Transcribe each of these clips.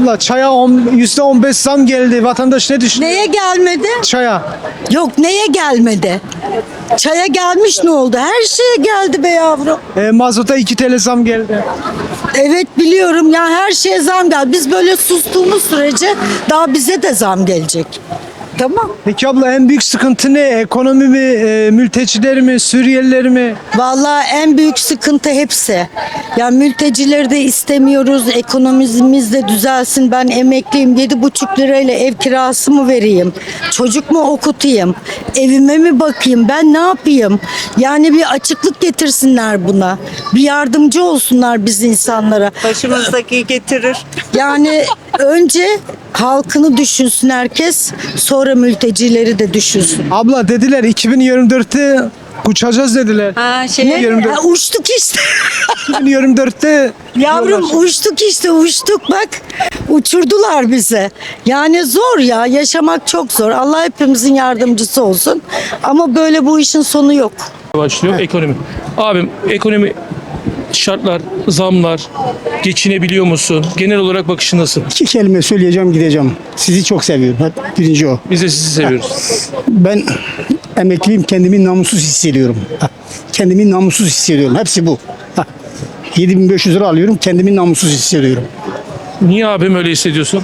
Abla çaya %15 zam geldi. Vatandaş ne düşünüyor? Neye gelmedi? Çaya. Yok, neye gelmedi? Çaya gelmiş, ne oldu? Her şeye geldi be yavrum. Mazota 2 TL zam geldi. Evet, biliyorum ya, her şeye zam geldi. Biz böyle sustuğumuz sürece daha bize de zam gelecek. Tamam. Peki abla en büyük sıkıntı ne? Ekonomi mi, mülteciler mi, Suriyeliler mi? Vallahi en büyük sıkıntı hepsi. Ya mültecileri de istemiyoruz. Ekonomimiz de düzelsin. Ben emekliyim. 7,5 lirayla ev kirası mı vereyim? Çocuk mu okutayım? Evime mi bakayım? Ben ne yapayım? Yani bir açıklık getirsinler buna. Bir yardımcı olsunlar biz insanlara. Başımızdaki getirir. Yani önce halkını düşünsün herkes. Sonra mültecileri de düşünsün. Abla dediler 2024'te uçacağız dediler. Ha, Ha, uçtuk işte. 2024'te Yavrum uçtuk işte, uçtuk bak, uçurdular bize. Yani zor ya, yaşamak çok zor. Allah hepimizin yardımcısı olsun. Ama böyle bu işin sonu yok. Başlıyor ekonomi. Abim ekonomi şartlar, zamlar, geçinebiliyor musun? Genel olarak bakışın nasıl? 2 kelime söyleyeceğim, gideceğim. Sizi çok seviyorum. Birinci o. Biz de sizi seviyoruz. Ben emekliyim, kendimi namussuz hissediyorum. Kendimi namussuz hissediyorum. Hepsi bu. 7.500 lira alıyorum, kendimi namussuz hissediyorum. Niye abim öyle hissediyorsun?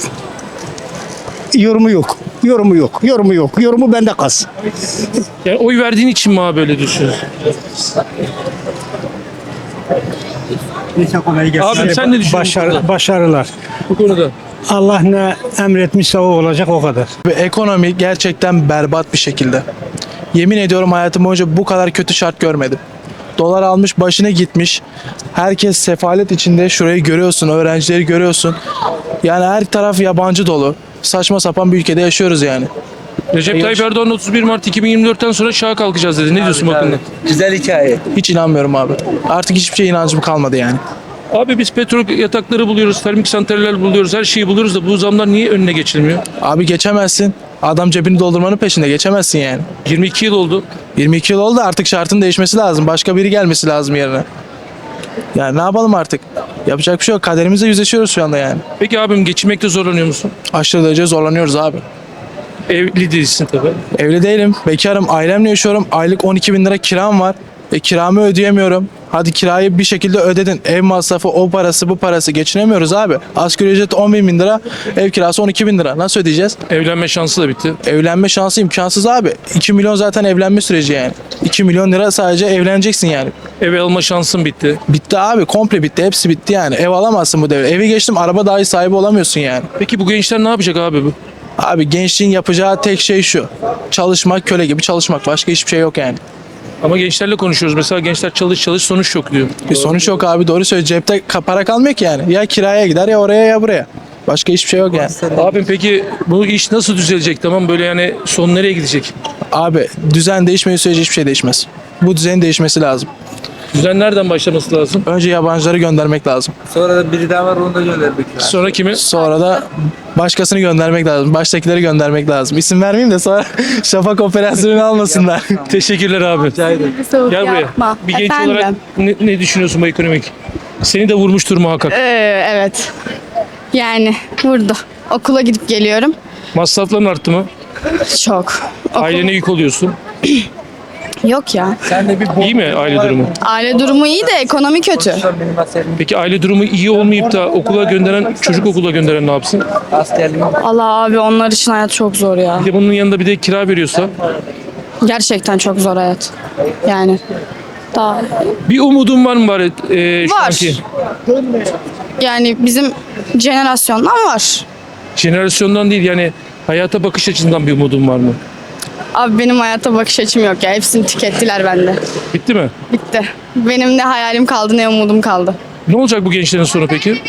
Yorumu yok. Yorumu yok. Yorumu yok. Yorumu bende kalsın. Yani oy verdiğin için mi abi böyle düşünüyorsun? Abi sen ne düşünüyorsun bu konuda? Başarılar. Bu konuda? Allah ne emretmişse o olacak, o kadar. Ve ekonomi gerçekten berbat bir şekilde. Yemin ediyorum hayatım boyunca bu kadar kötü şart görmedim. Dolar almış başına gitmiş. Herkes sefalet içinde. Şurayı görüyorsun, öğrencileri görüyorsun. Yani her taraf yabancı dolu. Saçma sapan bir ülkede yaşıyoruz yani. Recep Tayyip Erdoğan 31 Mart 2024'ten sonra şaha kalkacağız dedi. Ne diyorsun bu konuda? Güzel hikaye. Hiç inanmıyorum abi. Artık hiçbir şeye inancım kalmadı yani. Abi biz petrol yatakları buluyoruz, termik santraller buluyoruz, her şeyi buluyoruz da bu zamlar niye önüne geçilmiyor? Abi geçemezsin. Adam cebini doldurmanın peşinde, geçemezsin yani. 22 yıl oldu. 22 yıl oldu, artık şartın değişmesi lazım. Başka biri gelmesi lazım yerine. Yani ne yapalım artık? Yapacak bir şey yok. Kaderimizle yüzleşiyoruz şu anda yani. Peki abim geçinmekte zorlanıyor musun? Aşırı derece zorlanıyoruz abi. Evli değilsin tabii. Evli değilim. Bekarım. Ailemle yaşıyorum. Aylık 12 bin lira kiram var. Kiramı ödeyemiyorum. Hadi kirayı bir şekilde ödedin. Ev masrafı, o parası, bu parası. Geçinemiyoruz abi. Asgari ücret 10 bin lira. Ev kirası 12 bin lira. Nasıl ödeyeceğiz? Evlenme şansı da bitti. Evlenme şansı imkansız abi. 2 milyon zaten evlenme süreci yani. 2 milyon lira sadece evleneceksin yani. Ev alma şansın bitti. Bitti abi. Komple bitti. Hepsi bitti yani. Ev alamazsın bu devre. Evi geçtim, araba dahi sahibi olamıyorsun yani. Peki bu gençler ne yapacak abi bu? Abi gençliğin yapacağı tek şey şu. Çalışmak, köle gibi çalışmak. Başka hiçbir şey yok yani. Ama gençlerle konuşuyoruz. Mesela gençler çalış çalış sonuç yok diyor. Bir sonuç yok abi, doğru söylüyor. Cepte para kalmıyor ki yani. Ya kiraya gider ya oraya ya buraya. Başka hiçbir şey yok yani. Abim peki bu iş nasıl düzelecek, tamam, böyle yani son nereye gidecek? Abi düzen değişmediği sürece hiçbir şey değişmez. Bu düzenin değişmesi lazım. Düzen nereden başlaması lazım? Önce yabancıları göndermek lazım. Sonra da biri daha var, onu da göndermek lazım. Sonra kimi? Sonra da başkasını göndermek lazım. Baştakileri göndermek lazım. İsim vermeyeyim de sonra şafak operasyonu almasınlar. Teşekkürler abi. Gel buraya. Bir genç olarak ne düşünüyorsun bu ekonomik? Seni de vurmuştur muhakkak. Evet. Yani vurdu. Okula gidip geliyorum. Masrafların arttı mı? Çok. Ailene yük oluyorsun. Yok ya. İyi mi aile durumu? Aile durumu iyi de ekonomi kötü. Peki aile durumu iyi olmayıp da okula gönderen, çocuk okula gönderen ne yapsın? Allah abi, onlar için hayat çok zor ya. Bir de bunun yanında bir de kira veriyorsa Gerçekten çok zor hayat. Yani daha bir umudun var mı bari şu Var. anki? yani bizim jenerasyondan var. Jenerasyondan değil, yani hayata bakış açısından bir umudun var mı? Abi benim hayata bakış açım yok ya. Hepsini tükettiler bende. Bitti mi? Bitti. Benim ne hayalim kaldı ne umudum kaldı. Ne olacak bu gençlerin sonu peki?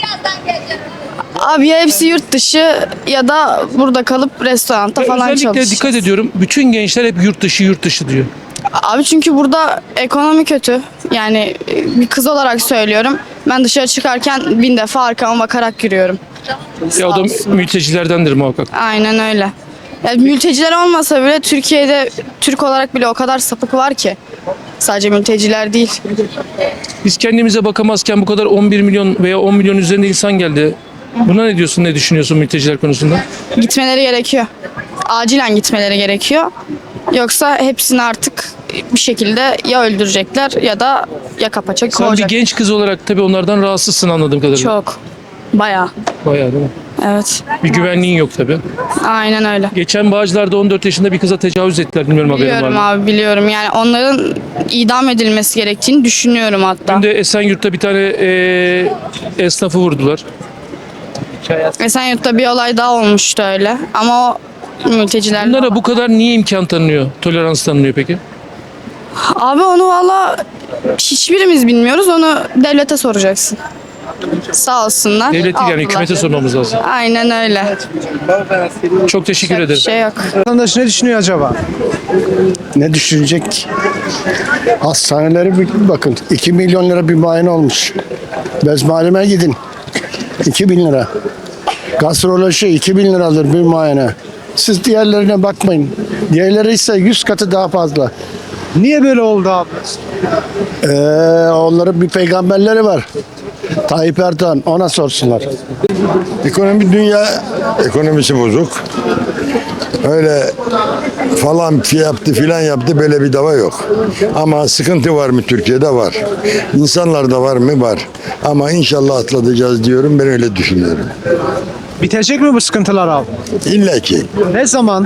Abi ya hepsi yurt dışı ya da burada kalıp restoranda falan Özellikle çalışacak. dikkat ediyorum. Bütün gençler hep yurt dışı yurt dışı diyor. Abi çünkü burada ekonomi kötü. Yani bir kız olarak söylüyorum. Ben dışarı çıkarken 1000 defa arkama bakarak yürüyorum. Ya o da mültecilerdendir muhakkak. Aynen öyle. Yani mülteciler olmasa bile Türkiye'de Türk olarak bile o kadar sapık var ki. Sadece mülteciler değil. Biz kendimize bakamazken bu kadar 11 milyon veya 10 milyon üzerinde insan geldi. Buna ne diyorsun, ne düşünüyorsun mülteciler konusunda? Gitmeleri gerekiyor. Acilen gitmeleri gerekiyor. Yoksa hepsini artık bir şekilde ya öldürecekler ya da yaka paça Sen bir kovacak. genç kız olarak tabii onlardan rahatsızsın anladığım kadarıyla. Çok. Bayağı. Bayağı değil mi? Evet. Bir güvenliğin yok tabii. Aynen öyle. Geçen Bağcılar'da 14 yaşında bir kıza tecavüz ettiler. Bilmiyorum haberin var Biliyorum mı? abi, biliyorum. Yani onların idam edilmesi gerektiğini düşünüyorum hatta. Dün de Esenyurt'ta bir tane esnafı vurdular. Esenyurt'ta bir olay daha olmuştu öyle. Ama o mülteciler... Bunlara bu kadar niye imkan tanınıyor? Tolerans tanınıyor peki? Abi onu valla hiçbirimiz bilmiyoruz. Onu devlete soracaksın. Sağ olsunlar. Devlet değil yani aldılar. hükümete sormamız lazım. Aynen öyle. Çok teşekkür Bir ederim. şey yok. Vatandaş ne düşünüyor acaba? Ne düşünecek? Hastanelere bir bakın. 2 milyon lira bir muayene olmuş. Bezmalime gidin. 2 bin lira. Gastroloji 2 bin liradır bir muayene. Siz diğerlerine bakmayın. Diğerleri ise 100 katı daha fazla. Niye böyle oldu abi? Onların bir peygamberleri var. Tayyip Erdoğan, ona sorsunlar. Ekonomi dünya ekonomisi bozuk. Öyle falan yaptı filan yaptı böyle bir dava yok. Ama sıkıntı var mı Türkiye'de? Var. İnsanlarda var mı? Var. Ama inşallah atlatacağız diyorum. Ben öyle düşünüyorum. Bitecek mi bu sıkıntılar abi? İlla ki. Ne zaman?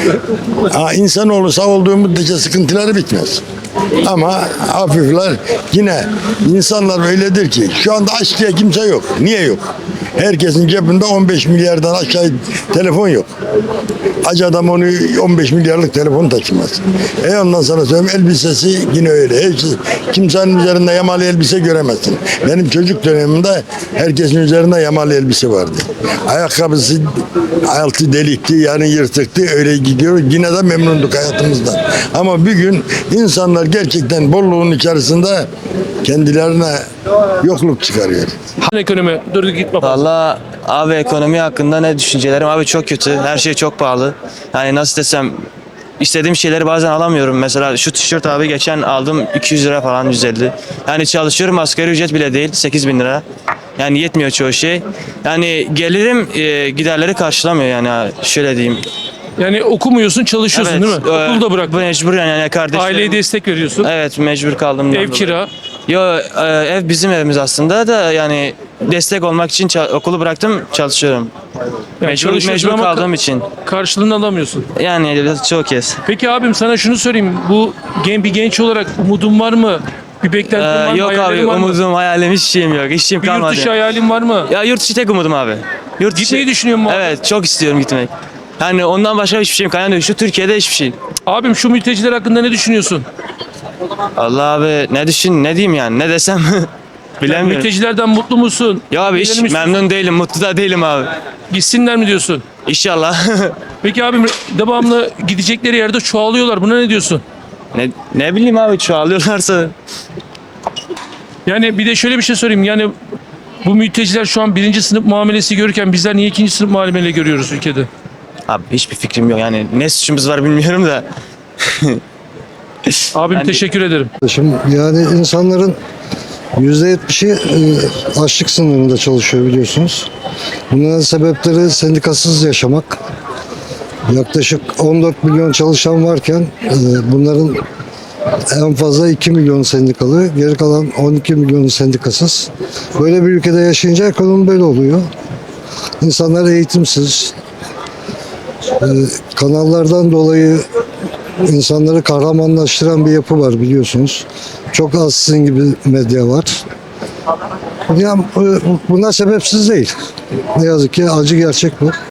İnsanoğlu sağ olduğu müddetçe sıkıntıları bitmez. Ama hafifler yine insanlar öyledir ki şu anda aç diye kimse yok. Niye yok? Herkesin cebinde 15 milyardan aşağı telefon yok. Aç adam onu 15 milyarlık telefon taşımaz. Ondan sonra söyleyeyim elbisesi yine öyle. Kimsenin üzerinde yamalı elbise göremezsin. Benim çocuk dönemimde herkesin üzerinde yamalı elbise vardı. Ayakkabısı altı delikti yani yırtıktı öyle gidiyor. Yine de memnunduk hayatımızdan. Ama bir gün insanlar gerçekten bolluğun içerisinde kendilerine yokluk çıkarıyor. Ekonomi, dur gitme. Valla abi ekonomi hakkında ne düşüncelerim? Abi çok kötü. Her şey çok pahalı. Yani nasıl desem istediğim şeyleri bazen alamıyorum. Mesela şu tişört abi geçen aldım 200 lira falan 150. Yani çalışıyorum asgari ücret bile değil 8 bin lira. Yani yetmiyor çoğu şey. Yani gelirim giderleri karşılamıyor yani şöyle diyeyim. Yani okumuyorsun, çalışıyorsun değil mi? Okulu da bırak. Mecbur yani kardeşlerim. Aileye destek veriyorsun. Evet mecbur kaldım. Ev kira. Yo ev bizim evimiz aslında da yani destek olmak için okulu bıraktım çalışıyorum. Yani Mecbur çalışıyorsun ama kaldığım için. Karşılığını alamıyorsun. Yani çok kez. Peki abim sana şunu sorayım. Bu bir genç olarak umudun var mı? Bir beklentin var mı? Yok abi Hayallerin var mı? umudum hayalim hiç şeyim yok. Hiç şeyim Bir yurt kalmadı. dışı hayalin var mı? Ya yurt dışı tek umudum abi. Yurt dışı. Gitmeyi düşünüyor musun abi? Evet çok istiyorum gitmek. Yani ondan başka hiçbir şeyim kalmadı. Şu Türkiye'de hiçbir şey. Abim şu mülteciler hakkında ne düşünüyorsun? Allah abi ne diyeyim yani ne desem bilemiyorum. Mültecilerden mutlu musun? Ya abi hiç Gidelim istiyorsun. memnun değilim, mutlu da değilim abi. Gitsinler mi diyorsun? İnşallah. Peki abim devamlı gidecekleri yerde çoğalıyorlar. Buna ne diyorsun? ne bileyim abi çoğalıyorlarsa. Yani bir de şöyle bir şey sorayım. Yani bu mülteciler şu an 1. sınıf muamelesi görürken bizler niye 2. sınıf muamele görüyoruz ülkede? Abi hiçbir fikrim yok yani ne suçumuz var bilmiyorum da. Abim Yani- teşekkür ederim. Yani insanların %70'i açlık sınırında çalışıyor biliyorsunuz. Bunların sebepleri sendikasız yaşamak. Yaklaşık 14 milyon çalışan varken bunların en fazla 2 milyon sendikalı, geri kalan 12 milyon sendikasız. Böyle bir ülkede yaşayınca ekonomi böyle oluyor. İnsanlar eğitimsiz. Kanallardan dolayı insanları kahramanlaştıran bir yapı var biliyorsunuz. Çok az sizin gibi medya var. Yani bunlar sebepsiz değil. Ne yazık ki acı gerçek bu.